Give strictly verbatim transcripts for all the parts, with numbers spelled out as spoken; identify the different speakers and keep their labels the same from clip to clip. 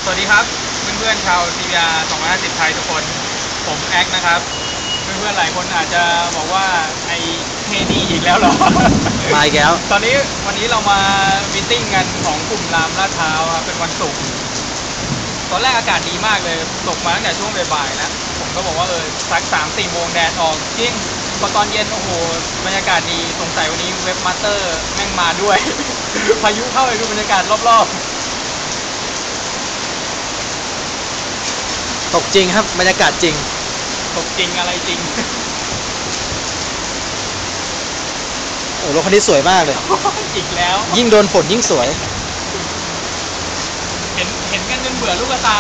Speaker 1: วัสดีครับเพื่อนๆชาว ซี บี อาร์ สองร้อยห้าสิบไทยทุกคนผมแอ็กนะครับเพื่อนๆหลายคนอาจจะบอกว่าไอ้เฮนี่อีกแล้วเหรอ
Speaker 2: มาอีกแล้ว
Speaker 1: ตอนนี้วันนี้เรามามีติ้งกันของกลุ่มรามลาดพร้าวครับเป็นวันศุกร์ตอนแรกอากาศดีมากเลยตกมาตั้งแต่ช่วงบ่ายๆนะผมก็บอกว่าเออสักสามสี่โมงแดดออกจริงพอตอนเย็นโอ้โหบรรยากาศดีสงสัยวันนี้เว็บมาสเตอร์แม่งมาด้วย พายุเข้าไปดูบรรยากาศรอบๆ
Speaker 2: ตกจริงครับบรรยากาศจริง
Speaker 1: ตกจริงอะไรจริง
Speaker 2: โอ้รถคันนี้สวยมากเลย
Speaker 1: อีกแล้ว
Speaker 2: ยิ่งโดนฝนยิ่งสวย
Speaker 1: เห็นเห็นกันจนเบื่อลูกตา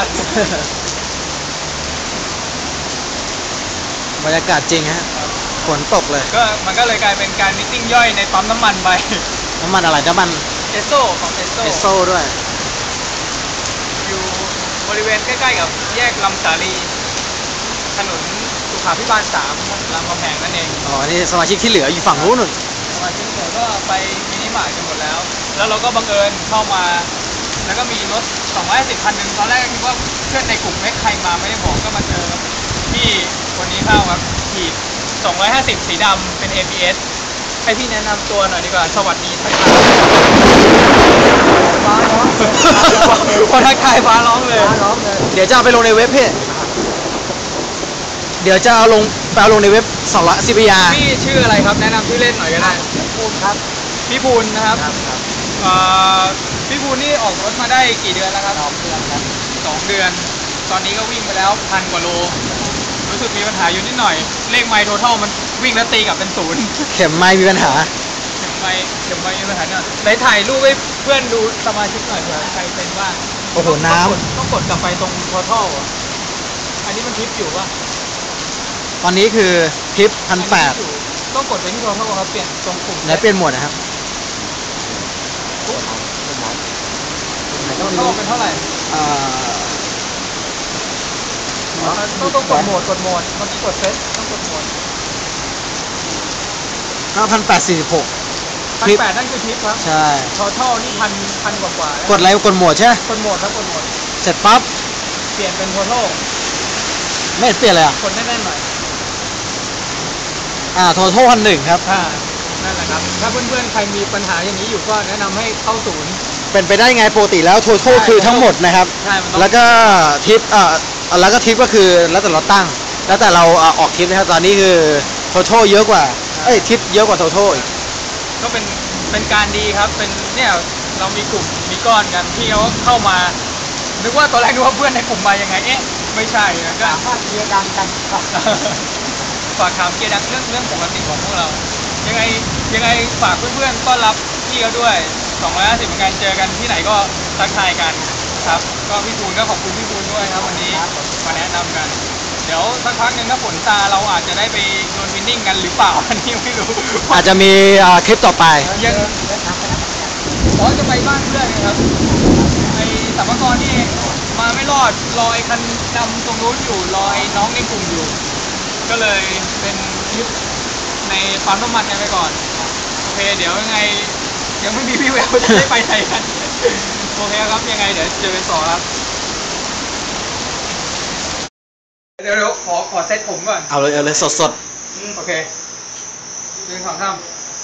Speaker 2: บรรยากาศจริงฮะฝนตกเลย
Speaker 1: ก็มันก็เลยกลายเป็นการมิทติ้งย่อยในปั๊มน้ำมันไป
Speaker 2: น้ำมันอะไรน้ำมัน
Speaker 1: เอสโซของเอสโซ
Speaker 2: เอสโซด้วย
Speaker 1: อยู่บริเวณใกล้ๆกับแยกลำสาลีถนนสุขาภิบาลสามรามคำแหงนั่นเอง
Speaker 2: อ๋อนี่สมาชิกที่เหลืออยู่ฝั่งนู้นนู่น
Speaker 1: สมาชิกที่เหลือก็ไปมินิมาร์ทกันหมดแล้วแล้วเราก็บังเอิญเข้ามาแล้วก็มีรถสองร้อยห้าสิบคันหนึ่งตอนแรกคิดว่าเพื่อนในกลุ่มไม่ใครมาไม่ได้บอกก็มาเจอที่วันนี้เข้าครับขีดสองร้อยห้าสิบสีดำเป็น เอ พี เอส ให้พี่แนะนำตัวหน่อยดีกว่าสวัสดีทักทายฟ้าร้องพอทักทายฟ้าร้องเลย
Speaker 2: เดี๋ยวจะเอาไปลงในเว็บพี่เดี๋ยวจะเอาลงไปเอาลงในเว็บสองร้อย ซี บี อาร์
Speaker 1: พี่ชื่ออะไรครับแนะนำชื่อเล่นหน่อยก็ได้
Speaker 2: ภูนครับ
Speaker 1: พี่ภูนนะครับพี่ภูนนี่ออกรถมาได้กี่เดือนแล้วครับ
Speaker 2: สองเดือนครับ
Speaker 1: สองเดือนตอนนี้ก็วิ่งไปแล้วพันกว่าโลรู้สึกมีปัญหาอยู่นิดหน่อยเลขไมล์โททัลมันวิ่งแล้วตีกลับเป็นศูนย์
Speaker 2: เข็มไมล์มีปัญหา
Speaker 1: เข็มไมล์เข็มไมล์มีปัญหาเนี่ยไหนถ่ายรูปให้เพื่อนดูสมาชิกหน่อยเผื่อใครเป็นบ้าง
Speaker 2: โอ้โหน้ำ
Speaker 1: ต้องกดกลับไปตรงโททัลอันนี้มันทิปอยู่ป่ะ
Speaker 2: ตอนนี้คือทิปพันแปด
Speaker 1: ต้องกดไปที่โททัลครับเปลี่ยนตรงปุ่ม
Speaker 2: ไหนเปลี่ยนหมวดนะครับ
Speaker 1: โททัลเป็นเท่าไหร่ต้องต้องกดโหมดกดโหมดเมื่อกี้กดเซตต้องกดโหมด
Speaker 2: ห้าพันแปดสี่สิบหก
Speaker 1: พันแปดนั่นคือทิปครับ
Speaker 2: ใช่
Speaker 1: ทอทัลนี่พันพันกว่ากว่าก
Speaker 2: ดอะไรกดโหมดใช่
Speaker 1: กดโหมดครับกดโหมด
Speaker 2: เสร็จปั๊บ
Speaker 1: เปลี่ยนเป็นทอทัล
Speaker 2: ไม่เปลี่ยนเลยอ่ะ
Speaker 1: กดแน่นๆหน่อย
Speaker 2: อ่าทอทัลพันหนึ่งครับ
Speaker 1: อ่านั่นแหละครับถ้าเพื่อนๆใครมีปัญหาอย่างนี้อยู่ก็แนะนำให้เข้าศูนย์
Speaker 2: เป็นไปได้ไงปกติแล้วทอทัลคือทั้งหมดนะครับแล้วก็ทิปอ่าแล้วก็ทิปก็คือแล้วแต่เราตั้งแล้วแต่เราออกทิปนะครับตอนนี้คือโทโทเยอะกว่าเอ้ยทิปเยอะกว่าโทโทอีก
Speaker 1: ก็เป็นเป็นการดีครับเป็นเนี่ยเรามีกลุ่มมีก้อนกันที่เขาเข้ามานึกว่าตอนแรกนึกว่าเพื่อนในกลุ่มมายังไงเอ๊ะไม่ใช่นะก็
Speaker 2: ฝากเกียร์ดังกัน
Speaker 1: ฝากถามเกียร์ดังเรื่องเรื่องปกติของพวกเรายังไงยังไงฝากเพื่อนๆต้อนรับพี่เขาด้วยสองร้อยห้าสิบเหมือนกันเจอกันที่ไหนก็ทักทายกันครับก็พี่ปูนก็ขอบคุณพี่ปูนด้วยครับวันนี้มาแนะนำกันเดี๋ยวสักพักหนึ่งถ้าฝนซาเราอาจจะได้ไปโดนวินนิ่งกันหรือเปล่าอันนี้ไม่รู้
Speaker 2: อาจจะมีคลิปต่อไป
Speaker 1: ยังขอจะไปบ้านเพื่อนครับไอ้สัมภาระนี่มาไม่รอดรอไอ้คันดำตรงนู้นอยู่รอไอ้น้องในกลุ่มอยู่ก็เลยเป็นคลิปในปั๊มน้ำมันกันไปก่อนโอเคเดี๋ยวยังไงยังไม่มีพี่แววจะได้ไปไหนกันโอเคครับยังไงเดี๋ยวเจอกันต่อครับเดี๋ยวเดี๋ยวขอขอเซตผมก่อน
Speaker 2: เอาเลยเอาเลยสดสด
Speaker 1: โอเคหนึ่งสองสาม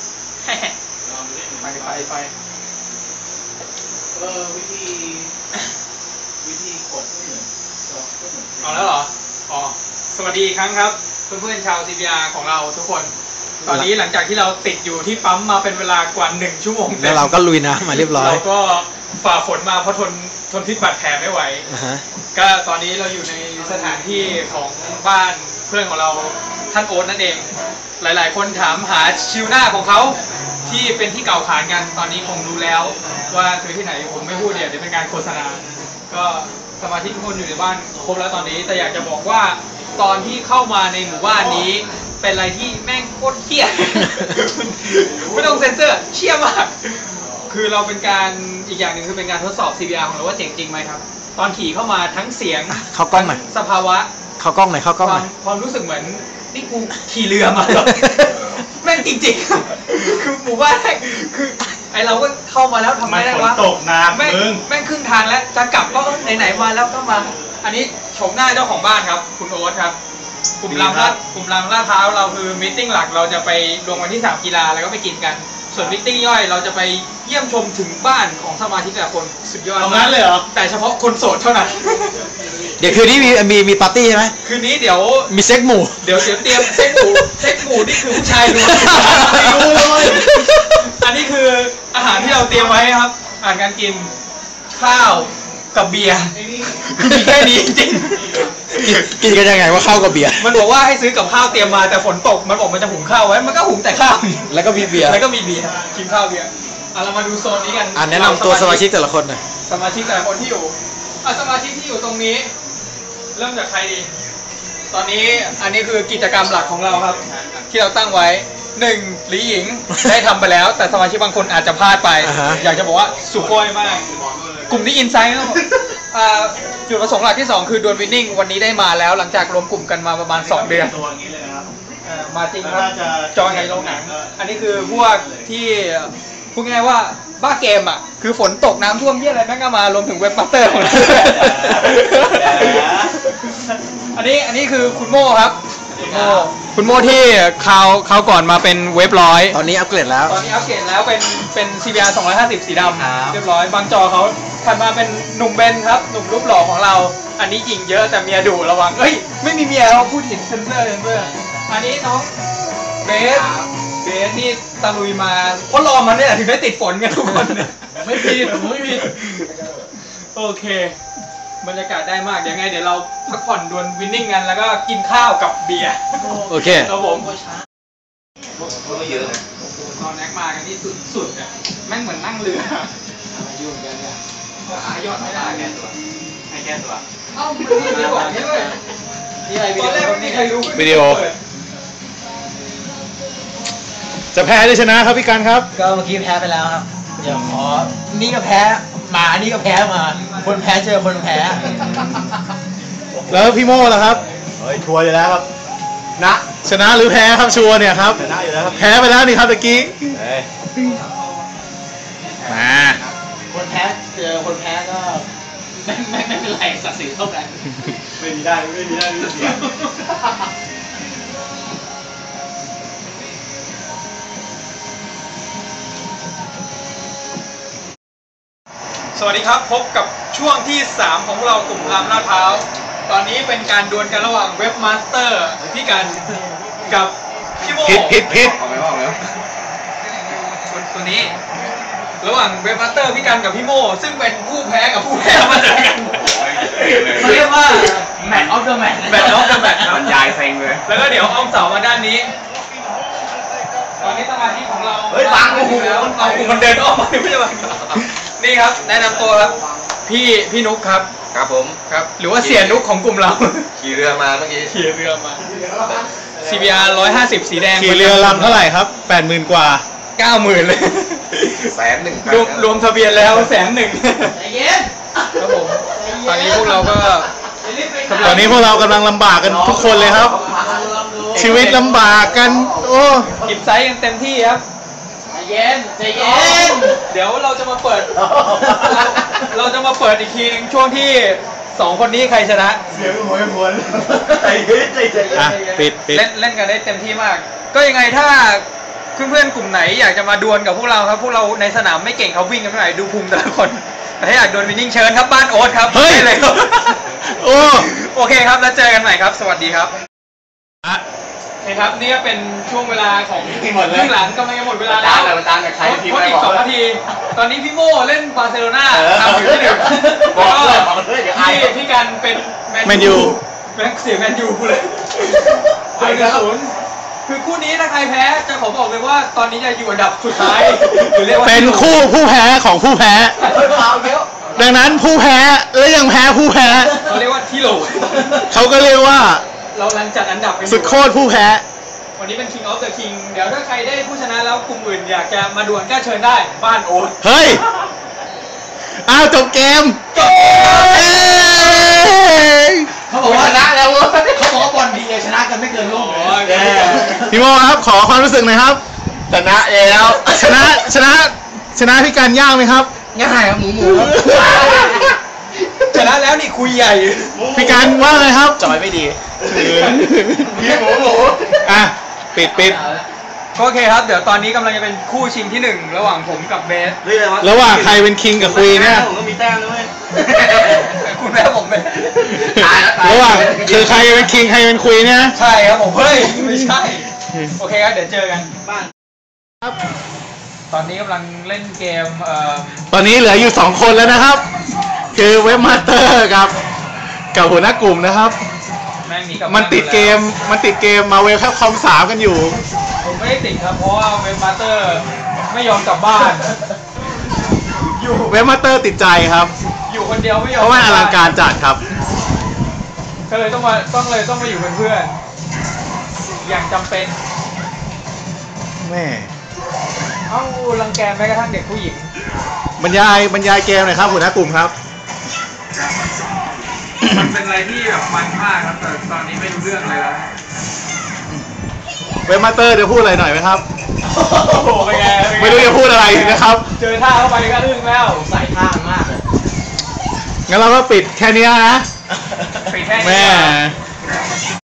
Speaker 1: ไปไปไป
Speaker 3: เออวิธีวิธีกดก็เหมือนก็เหมือน
Speaker 1: เอาแล้วเหรออ๋อสวัสดีอีกครั้งครับเพื่อนๆชาว ซี บี อาร์ ของเราทุกคนตอนนี้หลังจากที่เราติดอยู่ที่ปั๊มมาเป็นเวลากว่าหนึ่งชั่วโมง
Speaker 2: แล้วเราก็ลุยน้ำมาเรียบร้อย
Speaker 1: เราก็ฝ่าฝนมาเพราะทนทนพิษบาดแผลไม่ไหวก็ตอนนี้เราอยู่ในสถานที่ของบ้านเพื่อนของเราท่านโอ๊ตนั่นเองหลายๆคนถามหาชิวหน้าของเขาที่เป็นที่เก่าขานกันตอนนี้คงรู้แล้วว่าคือที่ไหนผมไม่พูดเดี๋ยวเป็นการโฆษณาก็สมาชิกทุกคนอยู่ในบ้านครบแล้วตอนนี้แต่อยากจะบอกว่าตอนที่เข้ามาในหมู่บ้านนี้เป็นอะไรที่แม่งโคตรเหี้ยไม่ต้องเซ็นเซอร์เชี่ยมากคือเราเป็นการอีกอย่างหนึ่งคือเป็นการทดสอบ ซี บี อาร์ ของเราว่าเจ๋งจริงไหมครับตอนขี่เข้ามาทั้งเสียง
Speaker 2: เข้ากล้องหน่อย
Speaker 1: สภาวะ
Speaker 2: เข้ากล้องหน่อยเข้ากล้องหน่อย
Speaker 1: ความรู้สึกเหมือนนี่กูขี่เรือมาแม่งจริงๆคือหมู่บ้านคือไอไอเราก็เข้ามาแล้วทำไมได้วะ
Speaker 4: ตกน้ำ
Speaker 1: แม่ง
Speaker 4: มึง
Speaker 1: แม่งครึ่งทางแล้วจะกลับก็ไหนๆมาแล้วก็มา อันนี้ชมหน้าเจ้าของบ้านครับคุณโอ๊ตครับกลุ่มรามลาดกลุ่มรามลาดพร้าวเราคือมิทติ้งหลักเราจะไปลงวันที่สามกีฬาแล้วก็ไปกินกันส่วนมิทติ้งย่อยเราจะไปเยี่ยมชมถึงบ้านของสมาชิกแต่ละคนสุดยอด
Speaker 4: เอางั้นเลยเหรอ
Speaker 1: แต่เฉพาะคนโสดเท่านั้น
Speaker 2: เดี๋ยวคืนนี้มีมีมีปาร์ตี้ใช่ไหม
Speaker 1: คืนนี้เดี๋ยว
Speaker 2: มีเซ็กหมู่
Speaker 1: เดี๋ยวเดี๋ยวเตรียมเซ็กหมูเซ็กหมูนี่คือผู้ชายล้วนไม่รู้เลยอันนี้คืออาหารที่เราเตรียมไว้ครับอาหารการกินข้าวกับเบียร์คือมีแค่นี้จริง
Speaker 2: กินกันยังไงว่าข้าวกับเบียร์
Speaker 1: มันบอกว่าให้ซื้อกับข้าวเตรียมมาแต่ฝนตกมันบอกมันจะหุงข้าวไว้มันก็หุงแต่ข้าว
Speaker 2: แล้วก็มีเบียร์
Speaker 1: แล้วก็มีเบียร์กินข้าวเบียร์อ่ะเรามาดูโซนนี้กัน
Speaker 2: อ่าแนะนำตัวสมาชิกแต่ละคนหน่อย
Speaker 1: สมาชิกแต่ละคนที่อยู่อ่ะสมาชิกที่อยู่ตรงนี้ เริ่มจากใครดี ตอนนี้อันนี้คือกิจกรรมหลักของเราครับ ที่เราตั้งไว้หนึ่งหลีหญิงได้ทำไปแล้ว แต่สมาชิกบางคนอาจจะพลาดไป
Speaker 2: อ่าฮะ
Speaker 1: อยากจะบอกว่าสุโขยมาก กลุ่มนี้อินไซด์ครับอ่าจุดประสงค์หลักที่สองคือดวลวินนิ่งวันนี้ได้มาแล้วหลังจากรวมกลุ่มกันมาประมาณสองเดือน
Speaker 4: ตัวอย่างนี้เลยนะครับ
Speaker 1: เอ่อมาจริงครับ
Speaker 4: น่าจะ
Speaker 1: จอยในโรงหนัง อันนี้คือพวกที่พูดง่ายๆว่าบ้าเกมอ่ะคือฝนตกน้ำท่วมเยี่ยอะไรแม่งก็มารวมถึงเว็บมาสเตอร์ของเราอันนี้อันนี้คือคุณโม่ครับคุณโม่คุณโม่ที่คราวคราวก่อนมาเป็นเว็บร้อย
Speaker 2: ตอนนี้อัปเกรดแล้ว
Speaker 1: ตอนนี้อัปเกรดแล้วเป็นเป็น ซี บี อาร์ สองร้อยห้าสิบสีดำเรียบร้อยบางจอเขาถัดมาเป็นหนุ่มเบนครับหนุ่มรูปหล่อของเรา อันนี้หญิงเยอะแต่เมียดุระวังเอ้ยไม่มีเมียเราพูดถึงเซนเซอร์เซนเซอร์อันนี้น้องเบสเบสนี่ตะลุยมาเพราะรอมันเนี่ยถึงได้ติดฝนกันทุกคนเนี่ย
Speaker 3: ไม่ผิดผมไม่ผิด
Speaker 1: โอเคบรรยากาศได้มากเดี๋ยวไงเดี๋ยวเราพักผ่อนดวลวินนิ่งกันแล้วก็กินข้าวกับเบียร์
Speaker 2: โอเค
Speaker 1: ครับผม
Speaker 3: ก็เยอะนะ
Speaker 1: ตอนแน็กมากันที่สุดๆอ่ะแม่งเหมือนนั่งเรือยุ่งกันเนี่ยอายอดไม่ได้แกตัวให้แกตัวเอ้ามันมีวิดีโอนี้ด้วยนี่อะไรตอนแรกไม่มีใครรู้
Speaker 4: วิดีโอ จะแพ้หรือชนะครับพี่กันครับ
Speaker 2: ก็เมื่อกี้แพ้ไปแล้วครับ เดี๋ยวขอ นี่ก็แพ้มา นี่ก็แพ้มา คนแพ้เจอคนแพ้
Speaker 4: แล้วพี่โม่ล่ะครับเฮ้ยชัวร์อยู่แล้วครับนะชนะหรือแพ้ครับชัวร์เนี่ยครับชนะอยู่แล้วครับแพ้ไปแล้วนี่ครับตะกี้มา
Speaker 2: คนแพ้เจอคนแพ้ก็
Speaker 3: ไม่ไม่ไม่เป็นไรศักดิ์ศรีเท่ากัน
Speaker 4: ไม่มีได้ไม่มีได้ไม่เสีย
Speaker 1: สวัสดีครับพบกับช่วงที่สามของเรากลุ่มรามลาดพร้าวตอนนี้เป็นการดวลกันระหว่างเว็บมาสเตอร์พี่กันกับพี่โม
Speaker 4: ผิดผิดผิด
Speaker 3: เอาไปว่าแล้ว
Speaker 1: คนตัวนี้ ระหว่างเว็บมาสเตอร์พี่กันกับพี่โมซึ่งเป็นผู้แพ้กับผู้แพ้มาเจอกันเขาเรียกว่า
Speaker 3: แมตช์ออฟเดอะแมตช์
Speaker 1: แบทออฟเดอะแบทครับ
Speaker 3: บรรยายเซ็งเลย
Speaker 1: แล้วก็เดี๋ยวอ้อมเสามาด้านนี้ ตอนนี้สมาธิของเรา
Speaker 3: เฮ้ยบังโอ้โห
Speaker 1: แล้วเอากลุ่มมันเดินอ้อมมาไม่ใช่บังนี่ครับแนะนำตัวครับพี่พี่นุ๊กครับ
Speaker 5: ครับผม
Speaker 1: ครับ หรือว่าเสียนุ๊กของกลุ่มเรา
Speaker 5: ขี่เรือมาเมื่อกี้
Speaker 1: ขี่เรือมา ซี บี อาร์ หนึ่งร้อยห้าสิบสีแดง
Speaker 4: ขี่เรือลำเท่าไหร่ครับแปดหมื่นกว่า
Speaker 1: เก้าหมื่นเลย
Speaker 5: แสนหนึ่ง
Speaker 1: รวมรวมทะเบียนแล้วแสนหนึ่ง
Speaker 3: ใจเย็น
Speaker 1: ครับผมตอนนี้พวกเราก็
Speaker 4: ตอนนี้พวกเรากำลังลำบากกันทุกคนเลยครับ ชีวิตลำบากกัน โอ้
Speaker 1: หยิบไซส์กันเต็มที่ครับ
Speaker 3: ใจเย็นใจเย็น
Speaker 1: เดี๋ยวเราจะมาเปิด เราจะมาเปิดอีกทีหนึงช่วงที่สองคนนี้ใครชนะ
Speaker 4: เสียงหวยหวนใจเย็นใจเย็นอ่ะปิดปิด
Speaker 1: เล่นเล่นกันได้เต็มที่มาก ก็ยังไงถ้าเพื่อนๆกลุ่มไหนอยากจะมาดวลกับพวกเราครับพวกเราในสนามไม่เก่งเขาวิ่งกันเท่าไหร่ดูภูมิแต่ละคนแต่ถ้าอยากดวลวินนิ่งเชิญครับบ้านโอ๊ตครับ
Speaker 4: เฮ้ย
Speaker 1: ได้เลยครับ
Speaker 4: โอ้
Speaker 1: โอเคครับแล้วเจอกันใหม่ครับ สวัสดีครับโอเคครับนี่ก็เป็นช่วงเวลาของครึ่งหลังกำลังจะหมดเวลาแล้ว
Speaker 3: ประจานกับใคร
Speaker 1: เพราะอีกสองนาที ตอนนี้พี่โม่เล่นบาร์เซโลนาทำอยู่ที่หนึ่ง
Speaker 3: บ
Speaker 1: แล้
Speaker 3: อ
Speaker 1: ว
Speaker 3: ก
Speaker 1: ก็
Speaker 3: เลยบอกเลยเดี๋ยวอาย
Speaker 1: พี่พี่กันเป็น
Speaker 4: แมนยู
Speaker 1: แมนเสียแมนยูเลยไปกันศูนย์คือคู่นี้ถ้าใครแพ้จะขอบอกเลยว่าตอนนี้จะอยู่อันดับสุดท้ายหรือเรียกว่า
Speaker 4: เป็นคู่ผู้แพ้ของผู้แพ้
Speaker 3: เอาเยอะ
Speaker 4: ดังนั้นผู้แพ้และยังแพ้ผู้แพ้
Speaker 1: เขาเรียกว่าที่โหล
Speaker 4: เขาก็เรียกว่า
Speaker 1: เรากำลังจัดอันดับกันอยู่
Speaker 4: สุดโคตรผู้แพ้
Speaker 1: วันนี้เป็น King of the King เดี๋ยวถ้าใครได้ผู้ชนะแล้วกลุ่มอื่นอยากจะมาดวลก็เชิญได้บ้านโอ๊ต
Speaker 4: เฮ้ย อ้าวจบเกม
Speaker 1: จบ
Speaker 4: เอ้ย
Speaker 3: เขาบอกว่าชนะแล้วเว้ยเขาบอกว่าบอลดีชนะกันไม่เกินโลกเลย
Speaker 1: แย่
Speaker 4: พี่โมครับ ขอความรู้สึกหน่อยครับ
Speaker 5: ชนะแล้ว
Speaker 4: ชนะชนะชนะพี่การย่างไหมครับ
Speaker 3: ง่ายครับหมูหมูครับ
Speaker 1: ชนะแล้วนี่คุยใหญ่
Speaker 4: พี่การว่าไงครับ
Speaker 3: จอยไม่ดี
Speaker 5: พี่หมูหมู
Speaker 4: อ่ะปิดปิด
Speaker 1: โอเคครับเดี๋ยวตอนนี้กำลังจะเป็นคู่ชิงที่หนึ่งระหว่างผมกับเบส
Speaker 4: ระหว่างใครเป็นคิงกับควีนเนี่ย
Speaker 3: ผมก็มีแต้มด้วย
Speaker 1: คุณแม่ผมเป็น
Speaker 4: ระหว่างคือใครเป็นคิงใครเป็นควีนเนี่ย
Speaker 1: ใช่ครับผมเฮ้ยไม่ใช่โอเคครับเดี๋ยวเจอกันบ้าน
Speaker 4: ครับ
Speaker 1: ตอนนี้กำลังเล่นเกมเอ่อ
Speaker 4: ตอนนี้เหลืออยู่สองคนแล้วนะครับ คือเว็บมาสเตอร์กับกับหัวหน้ากลุ่มนะครับ
Speaker 1: แม่งหนีกลับ
Speaker 4: มันติดเกมมันติดเกมมาเวลแคปคอมสามกันอยู่
Speaker 1: ผมไม่ได้ติดครับเพราะว่าเว็บมาสเตอร์ไม่ยอมกลับบ้าน อยู่
Speaker 4: เว็บมาสเตอร์ติดใจครับ
Speaker 1: อยู่คนเดียวไม่ยอม
Speaker 4: เพราะว่าอลังการจัดครับ
Speaker 1: ก็เลยต้องมาต้องเลยต้องมาอยู่เป็นเพื่อนอย่างจำเป็น
Speaker 4: แม่
Speaker 1: เอ้ารังแกแม้กระทั่งเด็กผู้หญิง
Speaker 4: บรรยายบรรยายเกมหน่อยครับหัวหน้ากลุ่มครับ
Speaker 1: มันเป็นอะไรที่แบบมันมากครับแต่ตอนนี้ไม่รู้เรื่องเลยแล้ว
Speaker 4: เว็บมาสเตอร์จะพูดอะไรหน่อยไหมครับ
Speaker 1: โอ้โหเป็นไงเป็นง
Speaker 4: ไม่รู้จะพูดอะไรนะครับ
Speaker 1: เจอท่าเข้าไปก็อึ้งแล้ว
Speaker 3: ใส่ท่ามากเลย
Speaker 4: งั้นเราก็ปิดแค่นี้นะ
Speaker 1: ปิดแค่นี้
Speaker 4: แม่
Speaker 1: ก่อน